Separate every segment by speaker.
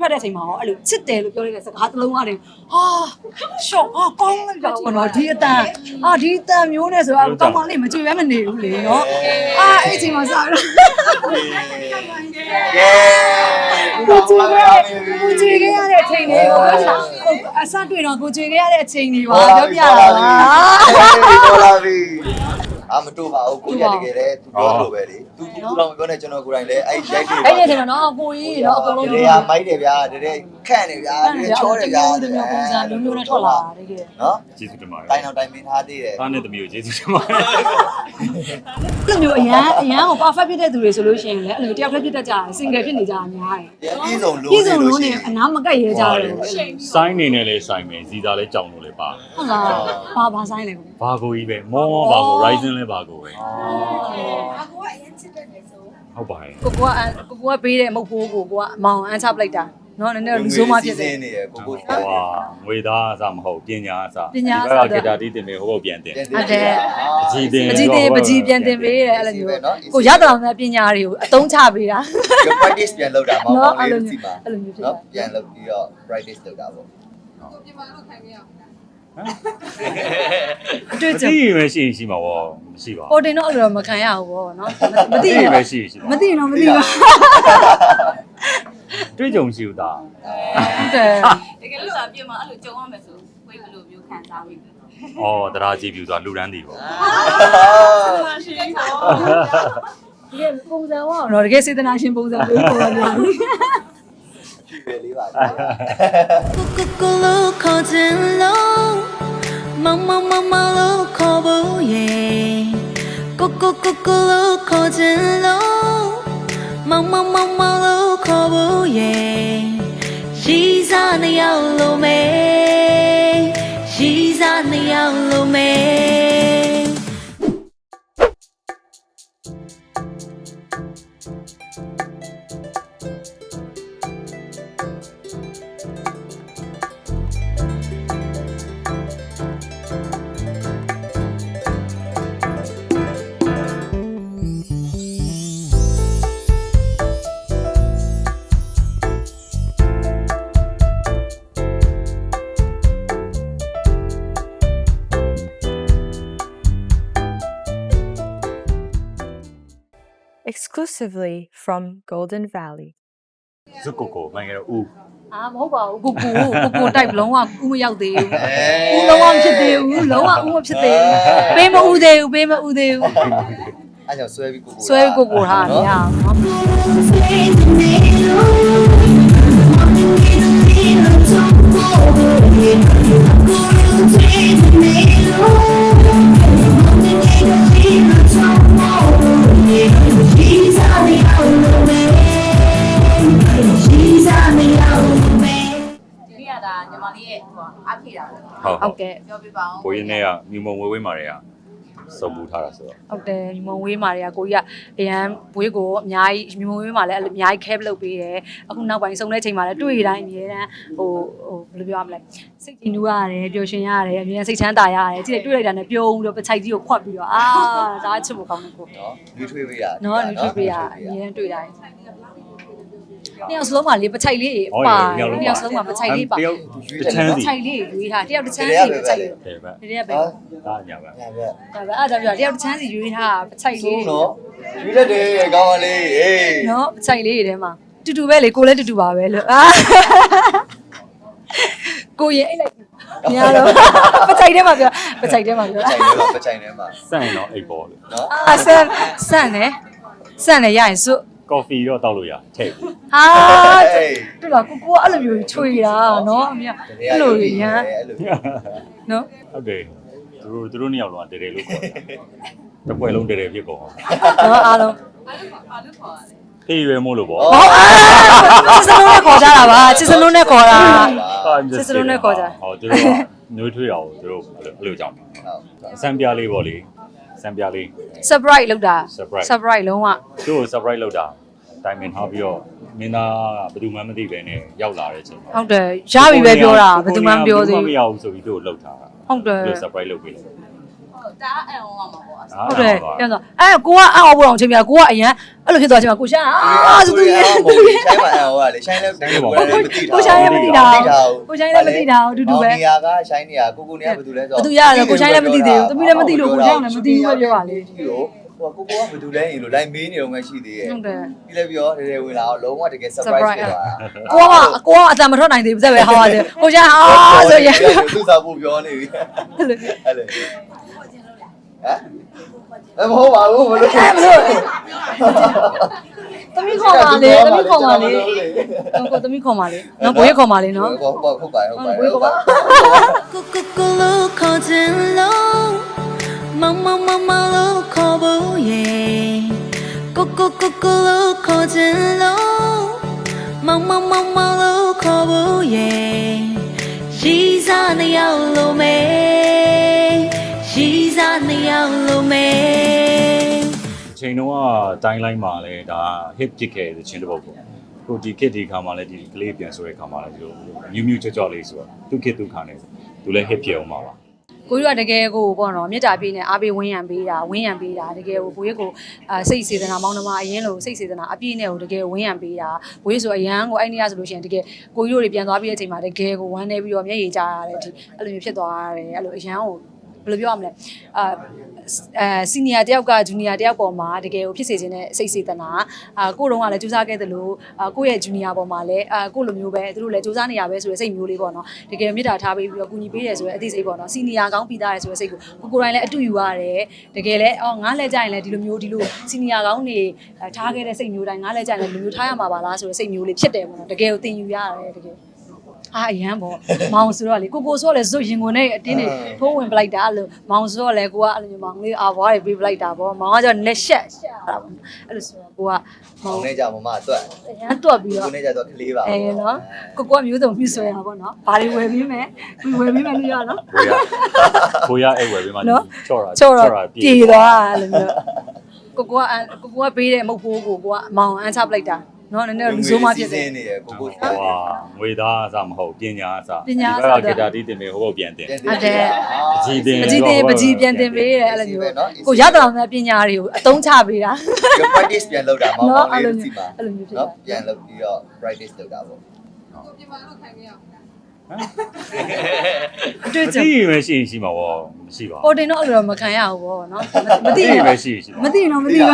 Speaker 1: တ်တဲ့အချိန်မှာရောအဲ့လိုချစ်တယ်လို့ပြောလိုက်တဲ့စကားတစ်လုံးရတယ်ဟာရှော့ဟာကောင်းလိုက်တာပေါ့ဒီအတန်ဒီအတန်မျိုးနဲ့ဆိုတော့ကောင်းကောင်းလေးမကြွေပဲမနေဘူးလေနော်အဲ့အချိန်မှာစတော့ကိုကြွေခဲ့ရတဲ့အချိန်တွေကိုအစတွေ့တော့ကိုကြွေခဲ့ရတဲ့အချိန်တွေပါပြောပြတာပါ
Speaker 2: တော်လာပြီမတို့ပါဘူးကိုရတကယ်လေသူပြောလို့ပဲလေသူတော့မပြောနဲ့ကျွန်တော်ကိုယ်တိုင်လည်းအဲ့ရိုက်တွေ
Speaker 1: အဲ့ဒီအချိန်မှာနော်ကိုကြီးနော်အကုန်လုံး
Speaker 2: တွေကမိုက်တယ်ဗျာတကယ်ခန့်နေဗျာတကယ်ချောတယ်ဗျာ
Speaker 1: ဒီမျိုးပုံစံမျိုးနဲ့ထွက်လာတာတကယ်
Speaker 2: နော်
Speaker 3: ကျေးဇူးတင်ပါတယ်
Speaker 2: တိုင်းအောင်တိုင်းမင်းထားသေးတယ်
Speaker 3: သားနဲ့သမီးကိုကျေးဇူးတင်ပါတယ်
Speaker 1: အဲ့လိုမျိုးအရန်ကို perfect ဖြစ်တဲ့သူတွေဆိုလို့ရှိရင်လည်းအဲ့လိုတယောက်တည်းဖြစ်တတ်ကြတယ် single ဖြစ်နေကြတာများတယ်
Speaker 2: ပြည်စုံလို့
Speaker 1: ပြည်စုံလို့နေအနားမကက်ရဲကြတယ်
Speaker 3: စိုင်းနေနဲ့လဲစိုင်းမယ်ဇီတာလဲကြောင်လို့လဲပါ
Speaker 1: ဟုတ်လားဘာဆိုင်လဲ
Speaker 3: ဘာကိုကြီးပဲမောဘာကို Ryzen လဲဘာကိုပဲ
Speaker 4: အကူကအရင်ချစ်တဲ့နေဆို
Speaker 3: ဟုတ်ပါတယ်
Speaker 1: ကိုကပေးတဲ့မဟုတ်ဘူးကိုကမောင်အန်းချပလိုက်တာနော်နည်းနည်းလူဆိုးမှဖြစ်တယ်
Speaker 2: နေရကိုကို
Speaker 3: ဟွာငွေသားအစမဟုတ်ပညာအစ
Speaker 1: ဒီဘ
Speaker 3: က်ကဂီတာတီးတင်ပေးဟိုဘက်ပြန်တင်
Speaker 1: ဟုတ်တယ်
Speaker 3: ပကြီးတင်
Speaker 1: ပကြီးပြန်တင်ပေးတယ်အဲ့လိုမျိုးကိုရတဲ့အောင်တဲ့ပညာတွေကိုအသုံးချပေးတာ
Speaker 2: practice ပြန်လုပ်တာမောင်မောင်လေးတို့စီပါ
Speaker 1: အဲ့လိုမျိုးဖြစ်
Speaker 2: နော်ပြန်လုပ်ပြီးတော့ practice လုပ်တာပေါ့
Speaker 4: ကိုပြင်မာလို့ခိုင်ခဲ့ရအောင်
Speaker 1: အတွေ့အကြုံ
Speaker 3: မရှိမှာပေါ့မရှိပါဘူး
Speaker 1: ဟိုတင်တော့အဲ့လိုမခံရဘူးပေါ့နော်မသိ
Speaker 3: ဘူးပဲရှိ
Speaker 1: မသိတော့မသိပါ
Speaker 3: တွေ့ကြုံရှိဦးသား
Speaker 1: ဟုတ်တယ်
Speaker 4: တကယ်လို့ပြင်မာအဲ့လိုကြုံရမယ်ဆိုဝိတ်ဘယ်လိုမျိုးခံစားမိလဲ
Speaker 3: တရားကြည့်ပြူဆိုတာလူရန်တည်ပေါ့
Speaker 1: ဒီပုံစံတော့တကယ်စေတနာရှင်ပုံစံမျိုးပေါ်လာတယ်
Speaker 2: လေးပါ
Speaker 5: ကိုကိုလိုခေါ်ခြင်းလို့မမလို့ခေါ်ဖို့ရေကိုလိုခေါ်ခြင်းလို့မမလို့ခေါ်ဖို့ရေရီစားနေအောင်လို့မေရီစားနေအောင်လို့မေ
Speaker 6: exclusively from Golden Valley
Speaker 3: ဇုကိုမိုင်းရဦး
Speaker 1: မဟုတ်ပါဘူးကိုတိုက်လုံးဝဦးမရောက်သေးဘူးဦးလုံးဝမဖြစ်သေးဘူးလုံးဝဦးမဖြစ်သေးဘူးပေးမဦးသေးဘူး
Speaker 2: အဲ့ကြောင့်ဆွဲပြီး
Speaker 1: ကိုထားမရအောင်
Speaker 4: ညီမလေးရဲ့ဟိုအားဖြည့်တာ
Speaker 1: ပေါ့ဟုတ်ကဲ့
Speaker 4: ပြောပြပါအောင်
Speaker 3: ကိုရင်းနဲ့ကမြူမုံဝေးမာတွေကစုံပူထားတာဆိုတော့
Speaker 1: ဟုတ်တယ်မြူမုံဝေးမာတွေကကိုကြီးကအရန်ဝေးကိုအများကြီးမြူမုံဝေးမာလည်းအများကြီးခဲလုပ်ပေးတယ်အခုနောက်ပိုင်းစုံတဲ့ချိန်မှာလည်းတွေ့တိုင်းအများတန်းဟိုဘယ်လိုပြောရမလဲစိတ်ကြည်နူးရတယ်ပျော်ရွှင်ရတယ်အများစိတ်ချမ်းသာရတယ်ကြည့်တွေ့လိုက်တာနဲ့ပြုံးပြီးတော့ပချိုက်ကြီးကိုခွတ်ပြီးတော့ဒါချစ်ဖို့ကောင်းတယ်ကို
Speaker 2: နော်လူထွေးပေးရ
Speaker 1: နော်လူထွေးပေးရအများတွေ့တိုင်းနှစ်ယောက်စလုံးမှာလေပချိုက်လေးပါနှစ်ယောက်စလုံးမှာပချိုက်လေးပါ
Speaker 3: တယောက်တစ်ချမ်းစီ
Speaker 1: ပချိုက်လေးရွေးထားတယောက်တစ်ချမ်းစီပချိုက်လေး
Speaker 3: တယ်ဗျ
Speaker 1: ဒီရက်ပဲ
Speaker 3: ဒါညာပဲ
Speaker 2: ညာပဲ
Speaker 1: ဒါပဲအဲ့ဒါပြောတယောက်တစ်ချမ်းစီရွေးထားပချိုက်လေး
Speaker 2: နော်ရွေးတတ်တယ်ကောင်းပါလေအေး
Speaker 1: နော်ပချိုက်လေးတွေထဲမှာတူတူပဲလေကိုလည်းတူတူပါပဲလို့ကိုရင်အိတ်လိုက်ညာတော့ပချိုက်ထဲမှာပြောပချိုက်ထဲမှာပြော
Speaker 2: ပချိုက်ထဲမှာ
Speaker 3: စန့်တော့အိတ်ပေါ်လေ
Speaker 1: နော်ဆန်နေရရင်စွ
Speaker 3: ကော်ဖီတော့တောက်လို့ရထည့်
Speaker 1: တူလားကိုအဲ့လိုမျိုးချွေတာနော်အမေအဲ့လိုရမ်းနော်
Speaker 3: ဟုတ်တယ်သူတို့နှစ်ယောက်လုံးကတဲလို့ခေါ်တာတစ်ပွဲလုံးတဲဖြစ်ကုန်
Speaker 1: နော်အားလုံး
Speaker 4: ဘာလို့ခေါ်ရလဲ
Speaker 3: ဖေးရွယ်မို့လို့ပေါ့
Speaker 1: စစ်စလုံးနဲ့ခေါ်ကြတာပါစစ်စလုံးနဲ့ခေါ်တာစစ်စလုံးနဲ့ခေါ်ကြ
Speaker 3: ဟောသူတို့ကနှွေးထွေးအောင်သူတို့အဲ့လိုကြောင့်အစမ်းပြလေးပေါ့လေစမ်းပြလေး
Speaker 1: surprise လုပ်တာ surprise လုံးဝ
Speaker 3: သူ့ကို surprise လုပ်တာတိုင်ပင်ထားပြီးတော့မင်းသားကဘယ်သူမှမသိပဲနဲ့ရောက်လာတဲ့အချိန်
Speaker 1: ဟုတ်တယ်ရပြီပဲပြောတာဘယ်သူမှမပြောသေးဘူး
Speaker 3: မရဘူးဆိုပြီးသူ့ကိုလှုပ်ထားတာ
Speaker 1: ဟုတ်တယ်
Speaker 3: surprise လုပ်ပေးတယ်
Speaker 4: တားအံ့ဩရမှာပေါ့
Speaker 1: ဟုတ်တယ်ပြန်တော့ကိုကအအော်ဘောအောင်ချိန်ပြကိုကအရန်အဲ့လိုဖြစ်သွားချိန်မှာကိုရှာဆိုသူရဲ့
Speaker 2: သူရဲ့ဆိုင်မှာအော်ကလေဆိုင်လည်းတကယ်ကိုလည်းမသိတာ
Speaker 1: ကိုရှာလည်းမသိတာကိုရှာလည်းမသိတာအတူတူပဲ
Speaker 2: နေရာကဆိုင်နေရာကိုနေကဘာတူလဲဆို
Speaker 1: ဘသူရတယ်ကိုရှာလည်းမသိသေးဘူးသမီးလည်းမသိလို့ကိုရှာလည်းမသိဘူးပဲပြောပါလေ
Speaker 2: ဟိုကိုကဘာတူလဲရင်လို့လိုက်မေးနေတော့မှရှိသေးရဲ့
Speaker 1: ဟုတ်တယ်
Speaker 2: ပြီးလည်းပြောတယ်ဝင်လာတော့လုံးဝတကယ် surprise ဖြစ်သွားတာ
Speaker 1: ကိုကအတန်မထွက်နိုင်သေးဘူးစက်ပဲဟောရတယ်ကိုရှာဆိုရင်
Speaker 2: သူ့စာဖို့ပြောနေပြီ
Speaker 1: အဲ့လို
Speaker 2: အဲ့လေဟမ်မဟုတ်ပါဘူးဘယ်လို
Speaker 1: သမီးခေါ်ပါလေသမီးခေါ်ပါလေကိုသမီးခေါ်ပါလေနော်ဘွေးခေါ်ပါလေနော်
Speaker 2: ဟုတ်ပါဟုတ်ပါ
Speaker 1: ဘွေးခေါ်ပါ
Speaker 5: Cuckoo call low Mama mama low call yeah Cuckoo call low Mama mama low call yeah She's on the yellow man She's on the yellow man
Speaker 3: ချိန်တော့တိုင်းလိုက်မှာလဲဒါ hit ဖြစ်ခဲ့တဲ့ချင်းတစ်ပုတ်ပေါ့ကိုဒီ kit ဒီခါမှာလဲဒီကလေးပြန်ဆိုတဲ့ခါမှာလဲဒီလိုမြူးမြူးကြော့ကြော့လေးဆိုတော့သူ kit သူခါနေသူလဲ hit ဖြစ်အောင်ပါ
Speaker 1: ကိုကြီးကတကယ်ကိုပေါ့နော်မြစ်တာပြေးနေအားပေးဝင်းရံပေးတာတကယ်ကိုကိုကြီးကိုစိတ်စေတနာမောင်းနှမအရင်လို့စိတ်စေတနာအပြည့်နဲ့ကိုတကယ်ဝင်းရံပေးတာကိုကြီးဆိုအရန်ကိုအဲ့နေရဆိုလို့ရှိရင်တကယ်ကိုကြီးတို့တွေပြန်သွားပြီးတဲ့အချိန်မှာတကယ်ကိုဝမ်းနေပြီးတော့မျက်ရည်ကျရတယ်ဒီအဲ့လိုမျိုးဖြစ်သွားရတယ်အဲ့လိုအရန်ကိုဘယ်လိုပြောရမလဲစီနီယာတယောက်ကဂျူနီယာတယောက်ပေါ်မှာတကယ်ကိုဖြစ်စေခြင်းနဲ့စိတ်စေတနာကိုတုံးကလည်းစူးစမ်းခဲ့သလိုကိုယ့်ရဲ့ဂျူနီယာပေါ်မှာလည်းကိုလိုမျိုးပဲသူတို့လည်းစူးစမ်းနေရပဲဆိုတဲ့စိတ်မျိုးလေးပေါ့နော်တကယ်မြစ်တာထားပြီးတော့ကူညီပေးတယ်ဆိုတဲ့အသိစိတ်ပေါ့နော်စီနီယာကောင်းပြီးသားတယ်ဆိုတဲ့စိတ်ကိုကိုယ်တိုင်လည်းအတူယူရတယ်တကယ်လည်းငါးလဲကြရင်လည်းဒီလိုမျိုးဒီလိုစီနီယာကောင်းနေထားခဲ့တဲ့စိတ်မျိုးတိုင်းငါးလဲကြရင်လည်းဒီလိုမျိုးထားရမှာပါလားဆိုတဲ့စိတ်မျိုးလေးဖြစ်တယ်ပေါ့နော်တကယ်ကိုသင်ယူရတယ်တကယ်အရန်ပေါ့မောင်ဆိုတော့လေကိုဆိုတော့လေဇွတ်ရင်ဝင်နဲ့အတင်းနေထိုးဝင်ပလိုက်တာအဲ့လိုမောင်ဆိုတော့လေကိုကအဲ့လိုမျိုးမောင်လေးအာဘွားတွေပေးပလိုက်တာပေါ့မောင်ကကျတော့လက်ရှက်တာပေါ့အဲ့လိုဆိုတော့ကိုက
Speaker 2: မောင်နဲ့ကြမမတွက်
Speaker 1: အရန်တွက်ပြီးတော့
Speaker 2: ကိုနဲ့ကြတော့ကလေးပါ
Speaker 1: နော်ကိုမျိုးစုံပြဆွဲတာပေါ့နော်ဘာတွေဝယ်ပြီးမယ်ဝယ်ပြီးမယ်လို့ရနော်
Speaker 3: ကိုရအဲ့ဝယ်ပြီးမှချော့တာ
Speaker 1: ချော့တော့ပြေသွားအဲ့လိုမျိုးကိုကပေးတဲ့မုတ်ဖိုးကိုကမောင်အန်းချပလိုက်တာနော်နည်းနည်းလူဆိုးမှဖြစ်တယ်
Speaker 2: နေရကို
Speaker 3: ဟွာငွေသားအစမဟုတ်ပညာအစကဂီတာတီးတင်နေဟိုဘုတ်ပြန်တင်
Speaker 1: ဟုတ်တယ်
Speaker 3: ပကြီးတင်
Speaker 1: ပကြီးပြန်တင်ပေးတယ်အဲ့လိုမျိုးကိုရတော်များပညာတွေကိုအသုံးချပေးတာ
Speaker 2: practice ပြန်လုပ်တာမောင်မောင်လေးစီပါ
Speaker 1: အဲ့လိုမျိုးဖြစ်
Speaker 2: နော်
Speaker 1: တာ
Speaker 2: ပြန်လုပ်ပြီးတော့ practice လုပ်တာပေါ့
Speaker 1: တွေ့ကြ
Speaker 3: တီးမရှိရှိမှာပေါ့မရှိပါ
Speaker 1: ပေါ်တင်တော့အဲ့လိုမခံရဘူးပေါ့နော်မသိ
Speaker 3: တီး
Speaker 1: ဘူး
Speaker 3: မရှိရှိ
Speaker 1: မသိတော့မသိဘူး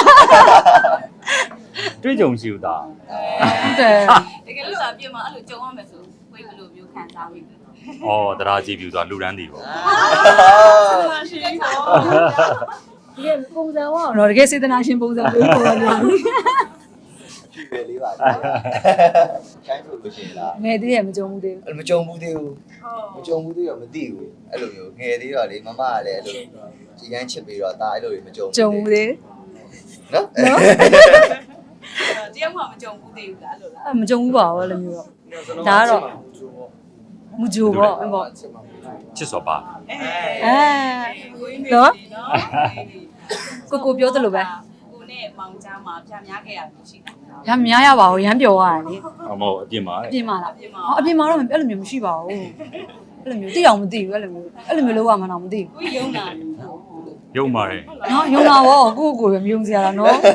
Speaker 3: တွေ့ကြုံရှိဦးသား
Speaker 1: ဟုတ်တယ်
Speaker 4: တကယ်လို့သာပြင်မှာအဲ့လိုကြုံရမယ်ဆိုဝိတ်ဘယ်လိုမျိုးခံစားမိလဲ
Speaker 3: ဩတရားကြည့်ပြူဆိုတာလူတန်းတည်ပေါ့
Speaker 4: ရှိတယ်ပေါ့
Speaker 1: တကယ်ပုံစံဝါတော့တကယ်စေတနာရှင်ပုံစံပေးပေါ်လာတယ်
Speaker 2: ဖြည့်ပဲလေးပါချိုင်းလို့ရှိရင်လား
Speaker 1: ငယ်သေးရမကြုံဘူးသေးဘူး
Speaker 2: အဲ့လိုမကြုံဘူးသေးဘူးမကြုံဘူးသေးတော့မသိဘူးအဲ့လိုမျိုးငယ်သေးတော့လေမမကလည်းအဲ့လိုရမ်းချစ်ပြီးတော့ဒါအဲ့လိုတွေမကြုံ
Speaker 1: ကြုံဘူးသေး
Speaker 2: နော်
Speaker 4: တယောက်မှမကြုံဘူးသေးဘူးလားအဲ့လိုလား
Speaker 1: မကြုံဘူးပါဘူးအဲ့လိုမျိုးတော့ဒါကတော့မကြိုပေါ့ပေါ့
Speaker 3: ချစ်စောပါ
Speaker 1: နော်ကိုပြောသလိုပဲ
Speaker 4: ကိုနဲ့မောင်ကြားမှာပြများခဲ့ရလို့ရှိတာ
Speaker 1: ရမများရပါဘူးရမ်းပျော်ရတယ်လေ
Speaker 3: အမဟုတ်အပြင်မှာ
Speaker 1: အပြင်မှာလားအပြင်မှာတော့အဲ့လိုမျိုးမရှိပါဘူးအဲ့လိုမျိုးသိအောင်မသိဘူးအဲ့လိုမျိုးလောက်ရမှာတော့မသိဘူး
Speaker 4: ကိုယုံတာ
Speaker 3: ရုံပါတယ်
Speaker 1: နော်ယုံတာပေါ့ကိုပဲမယုံစရာလားနော်နော်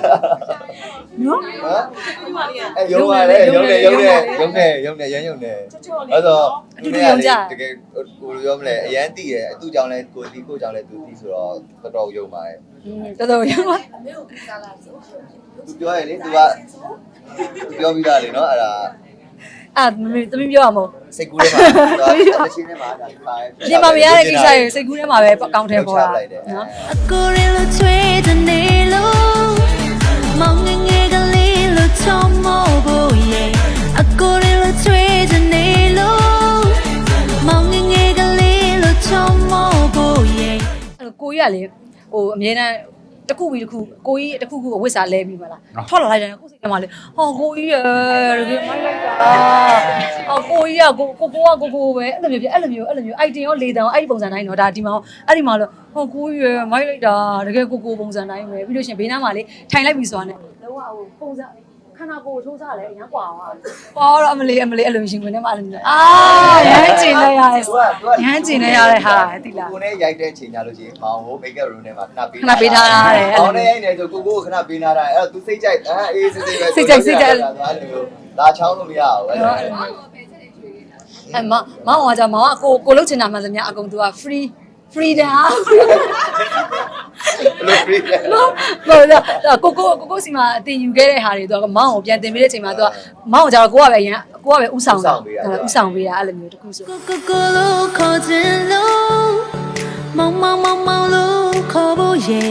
Speaker 4: ဒီမှာလေးက
Speaker 2: အဲ့ရုံပါလေရုံနေရမ်းရုံနေအဲ့တော့တကယ်ကိုပြောမလဲအရန်တည်ရသူ့ကြောင့်လဲကိုတီးကိုကြောင့်လဲသူတီးဆိုတော့တော်တော်ရုံပါတယ်
Speaker 1: တော်တော်ယုံပါ
Speaker 2: သူပြောရလေသူကပြောပြီးသားလေနော်အဲ့ဒါ
Speaker 1: သမီးပြောရမို့
Speaker 2: စိတ်ကူးထဲမှာသူကချင်းထဲမှာဒါပါတယ်
Speaker 1: ပြင်မမရတဲ့ကိစ္စတွေစိတ်ကူးထဲမှာပဲအကောင့်ထဲပေါ်တာနော်
Speaker 5: အကိုရီလိုချွေးတဲ့နေလို့မောင်ငယ်ငယ်ကလေးလိုချောမောဖို့ရဲ့အကိုရီလိုချွေးတဲ့နေလို့မောင်ငယ်ငယ်ကလေးလိုချောမောဖို့ရဲ့
Speaker 1: အဲ့ကိုကြီးကလေဟိုအမြဲတမ်းတစ်ခုပြီးတစ်ခုကိုကြီးတစ်ခုခုအဝတ်စားလဲပြီးမလားထွက်လာလိုက်တယ်ကိုစိတ်ထဲမှာလေဟောကိုကြီးရတကယ်မိုက်လိုက်တာဟောကိုကြီးကကိုပဲအဲ့လိုမျိုးအိုက်တင်ရောလေတန်ရောအဲ့ဒီပုံစံတိုင်းတော့ဒါဒီမှာအဲ့ဒီမှာလို့ဟောကိုကြီးရမိုက်လိုက်တာတကယ်ကိုပုံစံတိုင်းပဲပြီးလို့ရှင်ဘေးနားမှာလေထိုင်လိုက်ပြီဆိုတာနဲ့လုံးဝဟိုပုံစံခနာကိုချိုးစားလဲအရန်กว่าတော့အမလေးအဲ့လိုရှင်ဝင်နေမှအဲ့လိုမျိုးရမ်းကျင်လိုက်ရတယ်ရမ်းကျင်လိုက်ရတဲ့ဟာတိလား
Speaker 2: ကိုနဲ့ရိုက်တဲ့ချိန်ညာလို့ရှိရင်မောင်ဟို makeup room ထဲမှာခဏပေး
Speaker 1: ခဏပေးထားရတယ်
Speaker 2: မောင်နဲ့ရိုက်နေဆိုကိုခဏပေးထားတာအဲ့တော့ तू စိတ်ကြိုက်အေးစိတ်ပဲလာချောင်းလို့မရဘူးအဲ့လို
Speaker 1: မောင်ကကြာမောင်ကကိုလုတ်ချင်တာမှန်သမျှအကုန် तू က freedom
Speaker 2: လို့ free
Speaker 1: ဟုတ်လားကိုစီမှာအတင်ယူခဲ့တဲ့ဟာတွေ तू ကမောင်ကိုပြန်တင်ပေးတဲ့အချိန်မှာ तू ကမောင်ကကြာကိုကပဲဥဆောင်ပေးတာအဲ့လိုမျိုးတခုဆို
Speaker 5: Kokolo kojelo Mama lo kobo ye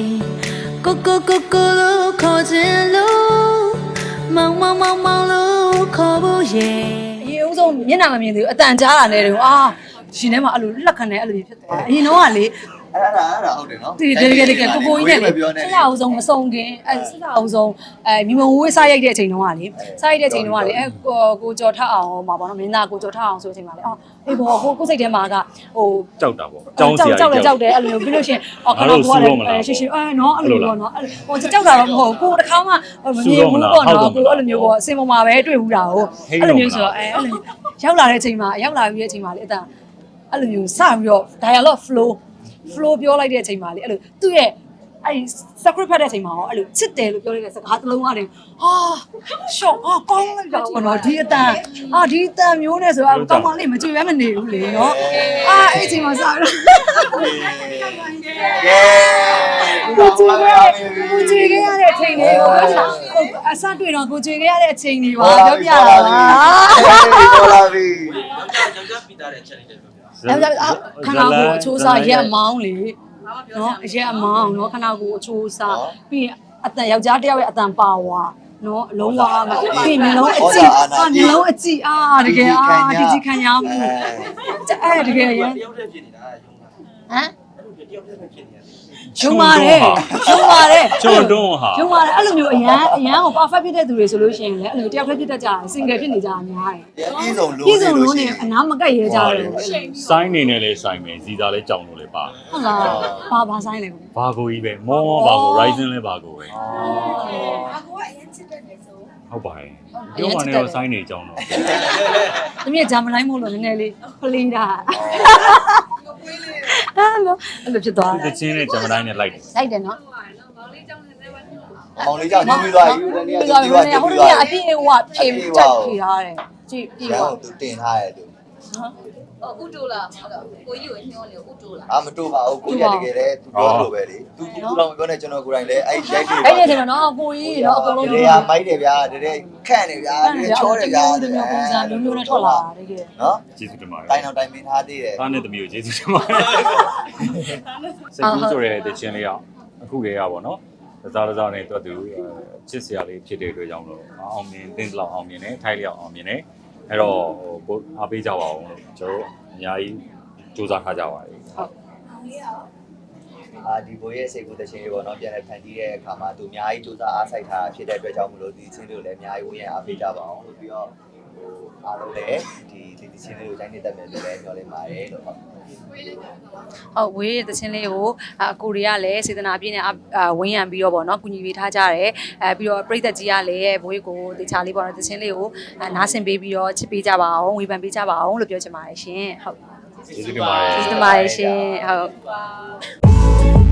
Speaker 5: Kokolo kojelo Mama lo kobo ye
Speaker 1: အရင်ဦးဆုံးမျက်နှာမမြင်သေးဘူးအတန်ကြားတာနဲ့တုန်းရှင်ထဲမှာအဲ့လိုလက်ခံနေအဲ့လိုဖြစ်သွားအရင်တော့ကလေ
Speaker 2: အဲ့ဒါဟုတ်တယ်နော်
Speaker 1: တကယ်ကိုကြီးနဲ့လေဆက်လာအောင်ဆုံးမဆုံးခင်ဆက်လာအောင်ဆုံးမြမဝေးစားရိုက်တဲ့အချိန်တုန်းကလေစားရိုက်တဲ့အချိန်တုန်းကလေကိုကြော်ထအောင်မှာပေါ့နော်မင်းသားကိုကြော်ထအောင်ဆိုတဲ့အချိန်မှာလေအေးဘောကိုစိတ်ထဲမှာကဟို
Speaker 3: ကြောက်တာပေါ့ကြောက်
Speaker 1: တယ်အဲ့လိုမျိုးပြီးလို့ရှိရင်ခဏကိုရှင်းနော်အဲ့လိုပေါ့နော်ဟိုကြောက်တာတော့မဟုတ်ကိုတခါမှမမြင်ဘူးပေါ့နော်ကိုအဲ့လိုမျိုးပေါ့အစင်ပေါ်မှာပဲတွေ့ဘူးတာကိုအဲ့လိုမျိုးဆိုတော့အဲ့လိုရောက်လာတဲ့အချိန်မှာရောက်လာပြီးတဲ့အချိန်မှာလေအတန်အဲ့လိုမျိုးစပြီးတော့ dialogue flow ပြောလိုက်တဲ့အချိန်မှာလေအဲ့လိုသူ့ရဲ့အဲ့ script ဖတ်တဲ့အချိန်မှာရောအဲ့လိုချစ်တယ်လို့ပြောလိုက်တဲ့စကားတစ်လုံးကနေရှော့ကောင်းလိုက်တာပေါ့နော်ဒီအတန်ဒီအတန်မျိုးနဲ့ဆိုတော့ကောင်းမလေးမကြွေပဲမနေဘူးလေနော်အဲ့အချိန်မှာစပြီးတော့ကိုကြွေခဲ့ရတဲ့အချိန်တွေကိုအစတွေ့တော့ကိုကြွေခဲ့ရတဲ့အချိန်တွေပါပြောပြတာပါ
Speaker 2: ပေါ်လာပြီ
Speaker 1: ခဏကိုအချိုးစားရက်မောင်းလေနော်ရက်မောင်းနော်ခဏကိုအချိုးစားပြီးရင်အတန်ယောက်ျားတစ်ယောက်ရဲ့အတန်ပါဝါနော်အလုံးဝမှာပြီးမျက်လုံးအကြည့်မျက်လုံးအကြည့်တကယ်ဒီကြီးခံရမှုအဲ့တကယ်ရဟမ်ကျုံပါတယ်
Speaker 3: ကျွန်းတွန်းဟာ
Speaker 1: ကျုံပါတယ်အဲ့လိုမျိုးအရန်ကို perfect ဖြစ်တဲ့သူတွေဆိုလို့ရှိရင်လည်းအဲ့လိုတယောက်တည်းဖြစ်တတ်ကြတယ် single ဖြစ်နေကြတာများတယ်
Speaker 2: ပြည်စုံလို့
Speaker 1: ပြည်စုံလုံးနဲ့အနားမကက်ရဲကြတယ်
Speaker 3: စိုင်းနေနဲ့လဲစိုင်းမယ်ဇီတာလဲကြောင်လို့လဲပါ
Speaker 1: ဟုတ်လားဘာဆိုင်လဲကို
Speaker 3: ဘာကိုကြီးပဲမောဘာကို Ryzen လဲဘာကိုပဲဟုတ်ပါရဲ့ပြောမှလည်းစိုင်းနေကြောင်တော့
Speaker 1: ။သမီးကဂျာမလိုက်မို့လို့နည်းနည်းလေးဖလီးတာ။အဲ့လိုဖြစ်သွား
Speaker 3: သူ
Speaker 1: တယ်
Speaker 3: တချင်းနဲ့ဂျမတိုင်းနဲ့လိုက်တယ်
Speaker 1: ။လိုက်တယ်နော်
Speaker 2: မောင်လေးကြောင့်ပြီးသွားပြီတနေ့က
Speaker 1: ။ဟိုတည်းကအပြည့်ဟိုဖြည့်ချက်ဖြည့်ထားတယ်။ကြည့်ပြီး
Speaker 2: ရော
Speaker 1: တော့
Speaker 2: သူတင်ထားရဲ့သူ
Speaker 4: ဥတိုလားကိုကြီးကိုညှောနေဥတိုလား
Speaker 2: မတို့ပါဘူးကိုကြီးတကယ်လေသူပြောလို့ပဲလေသူတော့မပြောနဲ့ကျွန်တော်ကိုယ်တိုင်လည်းအဲ့ရိုက်တယ်
Speaker 1: အဲ့ဒီချိန်မှာနော်ကိုကြီးနော်အကုန်လုံး
Speaker 2: တကယ်မိုက်တယ်ဗျာတကယ်ခန့်တယ်ဗျာတကယ်ချောတယ်ဗျာ
Speaker 1: ဒီမျိုးပုံစံမျိုးနဲ့ထွက်လာတာတကယ်
Speaker 2: နော်
Speaker 3: ကျေးဇူးတင်ပါတယ်
Speaker 2: တိုင်းအောင်တိုင်းမင်းထားသေးတယ်
Speaker 3: သားနဲ့သမီးကိုကျေးဇူးတင်ပါတယ်စိတ်ကူးဆိုတဲ့တချင်းလေးကအခုတည်းကပေါ့နော်တစားနဲ့တွတ်သူချစ်စရာလေးဖြစ်တဲ့အတွက်ကြောင့်လို့အောင်မြင်တင်းလောက်အောင်မြင်တယ်ထိုက်လျောက်အောင်မြင်တယ်အဲ့တော့ကိုအားပေးကြပါအောင်လို့ကျွန်တော်အများကြီးစူးစမ်းထားကြပါတယ်ဟုတ်
Speaker 2: ဒီဘိုးရဲ့စိတ်ကူးတခြင်းလေးပေါ့နော်ပြန်လည်ဖန်တီးတဲ့အခါမှာသူအများကြီးစူးစမ်းအားစိုက်ထားဖြစ်တဲ့အတွက်ကြောင့်မလို့ဒီချင်းလေးကိုလည်းအများကြီးဝင်ရအားပေးကြပါအောင်လို့ပြီးတော့အားလုံးလည်းဒီချင်းလေးကိုတိုင်းနေတတ်မယ်လို့လည်းပြောလိုက်ပါတယ်လို့ဟုတ်
Speaker 1: ဟုတ်ဝေးတဲ့သချင်းလေးကိုအကိုတွေကလည်းစေတနာပြည့်နဲ့ဝင်းရံပြီးတော့ပေါ့နော်ကုညီပေးထားကြတယ်ပြီးတော့ပြည်သက်ကြီးကလည်းဘိုးကိုတခြားလေးပေါ့နော်သချင်းလေးကိုနားဆင်ပေးပြီးတော့ချစ်ပေးကြပါအောင်ဝေဖန်ပေးကြပါအောင်လို့ပြောချင်ပါတယ်ရှင်ဟုတ်
Speaker 3: ကျေးဇူးတင်ပါတယ်
Speaker 1: ကျေးဇူးတင်ပါတယ်ရှင်ဟုတ်